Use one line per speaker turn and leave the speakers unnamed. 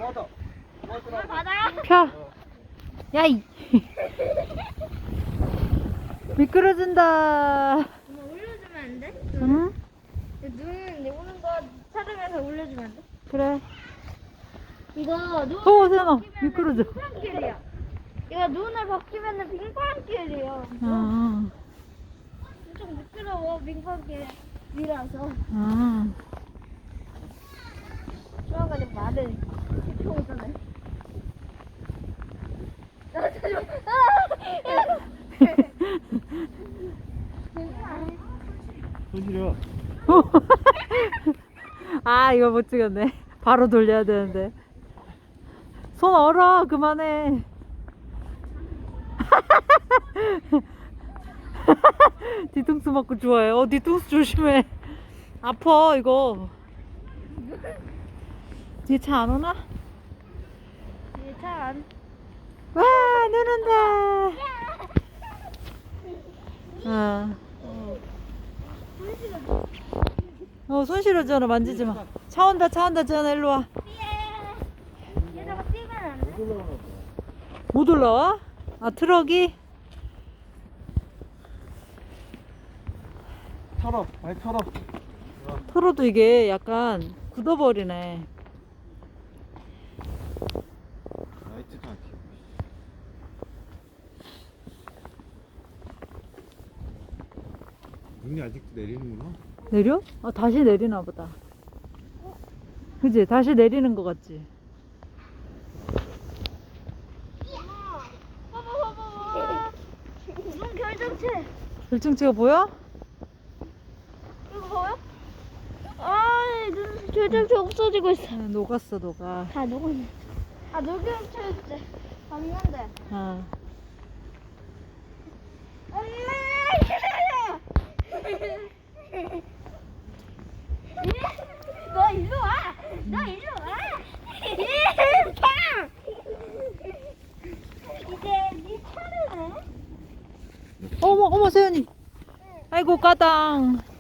펴. 야이. 미끄러진다.
엄마 올려주면 안 돼?
응?
눈 오는 거 촬영해서 올려주면 안 돼?
그래.
이거 눈
세연아, 미끄러져.
빙판길이야. 이거 눈을 벗기면은 빙판길이에요.
아,
엄청 미끄러워 빙판길이라서.
아.
좋아가지고 말을 지켜오잖아요.
손실이야.
아, 이거 못 찍었네. 바로 돌려야 되는데. 손 얼어, 그만해. 뒤통수 맞고 좋아해. 뒤통수 조심해. 아파, 이거. 뒤에 차 안 오나?
참.
와, 눈 온다. 손 실어줘라, 만지지 마. 차 온다, 전화 일로 와.
얘들아 뛰면 안 돼?
못 올라와? 아, 트럭이?
털어, 많이 털어.
털어도 이게 약간 굳어버리네.
나이트 카키. 눈이 아직도 내리는구나.
내려? 아, 다시 내리나 보다. 그지? 다시 내리는 것 같지?
봐봐. 눈 결정체.
결정체가 보여?
이거 보여? 눈 결정체 없어지고 있어.
녹았어, 녹아.
다 녹았네. 녹여체였지. 봤는데.
아.
엄마! 너 일로 와! 너 일로 와! 이제 네 차례네.
어머, 세연이. 아이고, 까당.